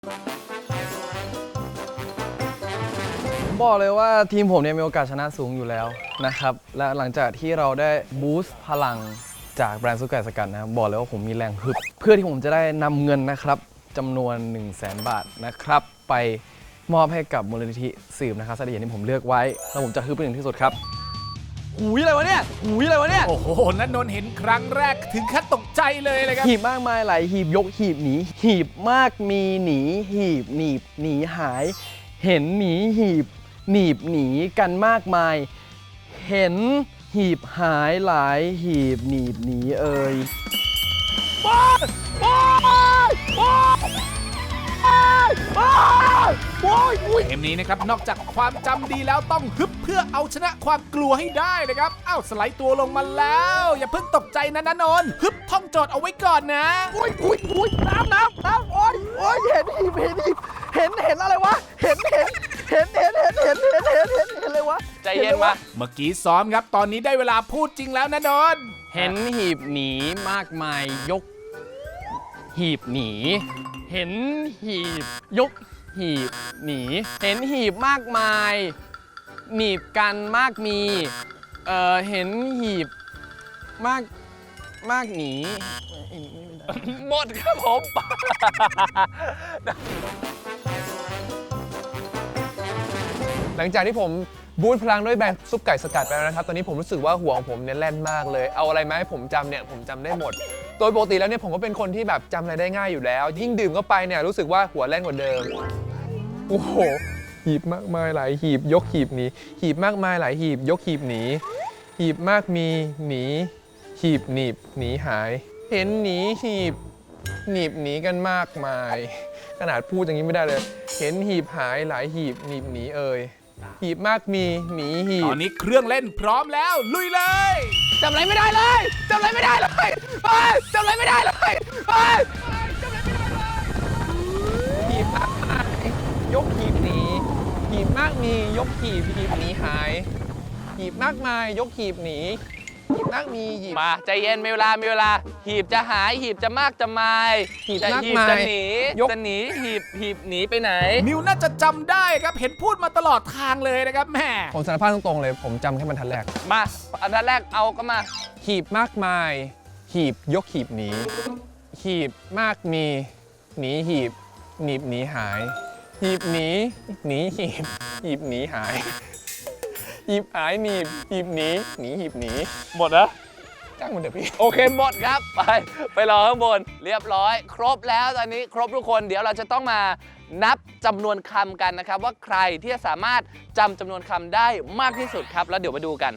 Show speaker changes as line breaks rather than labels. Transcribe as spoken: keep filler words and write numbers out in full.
บอกเลยว่าทีมผมเนี่ยมีโอกาสชนะสูงอยู่แล้วนะครับและหลังจากที่เราได้บูสต์พลังจากแบรนด์ซุปไก่สกัดนะครับบอกเลยว่าผมมีแรงฮึบเพื่อที่ผมจะได้นำเงินนะครับจำนวน หนึ่งแสน บาทนะครับไปมอบให้กับมูลนิธิสืบนะครับสถานที่ผมเลือกไว้แล้วผมจะฮึบเป็นอย่างที่สุดครับหูยอะไรวะเนี่ยหูยอะไรวะเนี่ย
โอ้โหณนนท์เห็นครั้งแรกถึงขั้นตกใจเลยเลยครับ
หีบมากมายหลายหีบยกหีบหนีหีบมากมีหนีหีบหนีบหนีหาย เห็นหนีหีบหนีบหนีกันมากมาย เห็นหีบหายหลายหีบหนีบหนีเอ่ย
เกมนี้นะครับนอกจากความจำดีแล้วต้องฮึบเพื่อเอาชนะความกลัวให้ได้นะครับอ้าวสไลด์ตัวลงมาแล้ว อย่าเพิ่งตกใจนะณนนท์ฮึบท่องโจทย์เอาไว้ก่อนนะ
อุ้ยอุ้ยอุ้ยน้ำน้ำน้ำโอ้ยโอ้ยเห็นหีบเห็นหีบเห็นเห็นอะไรวะเห็นเห็นเห็นเห็นเห็นเห็นเห็นเห็นเห็นเห็นอะไรวะ
ใจเย็นมา
เมื่อกี้ซ้อมครับตอนนี้ได้เวลาพูดจริงแล้วณนนท์
เห็นหีบหนีมากมายยก หีบหนี เห็นหีบยกหีบหนี เห็นหีบมากมายหนีบกันมากมีเอ่อเห็นหีบมากมากหนี หมดครับผม
หลังจากที่ผมบูทพลังด้วยแบรนด์ซุปไก่สกัดไปแล้วนะครับ ตอนนี้ผมรู้สึกว่าหัวของผมเนี่ยแล่นมากเลย เอาอะไรมาให้ผมจำเนี่ยผมจำได้หมด โดยปกติแล้วเนี่ยผมก็เป็นคนที่แบบจำอะไรได้ง่ายอยู่แล้ว ยิ่งดื่มเข้าไปเนี่ยรู้สึกว่าหัวแล่นกว่าเดิม โอ้โห หีบมากมายหลายหีบยกหีบหนี หีบมากมายหลายหีบยกหีบหนี หีบมากมีหนี หีบหนีบหนีหาย เห็นหนีหีบหนีบหนีกันมากมาย ขนาดพูดอย่างนี้ไม่ได้เลย เห็นหีบหายหลายหีบหนีบหนีเอ่ย หีบมากมีหนีหี
ต
บ
อนนี้เครื่องเล่นพร้อมแล้วลุยเลย
จำอะไรไม่ได้เลยจำอะไรไม่ได้เลยเฮ้ยจำอะไรไม่ได้เลยเฮ้ย
หีบมากมายยกหีบหนีหีบมากมียกหีบหีบหนีหาย หีบมากมายยกหีบหนีหีบมากมีหีบ
มาใจเย็นมีเวลามีเวลา หีบจะหายหีบจะมากจะมาย
หีบ
แต่
มาก
หีบ
มาย
จะหนี
ยก
จะหนีหีบหีบหนีไปไหน
นิวน่าจะจำได้ครับเห็นพูดมาตลอดทางเลยนะครับแม่
ผมสารภาพตรงๆเลยผมจำแค่บรรทัดแรก
มาอันดับแรกเอาก็มา
หีบมากมาย หีบยกหีบหนี หีบมากมี หนีหีบ หนีบหนีหาย หีบหนี หนีหีบ หีบหนีหาย หีบหายหนีบ หีบหนี หนีหีบหนี
หมดนะ
จ้างมันเดี๋ยวพี่
โอเคหมดครับ ไปไปรอข้างบน เรียบร้อย ครบแล้วตอนนี้ครบทุกคนเดี๋ยวเราจะต้องมานับจำนวนคำกันนะครับ ว่าใครที่จะสามารถจำจำนวนคำได้มากที่สุดครับ แล้วเดี๋ยวมาดูกัน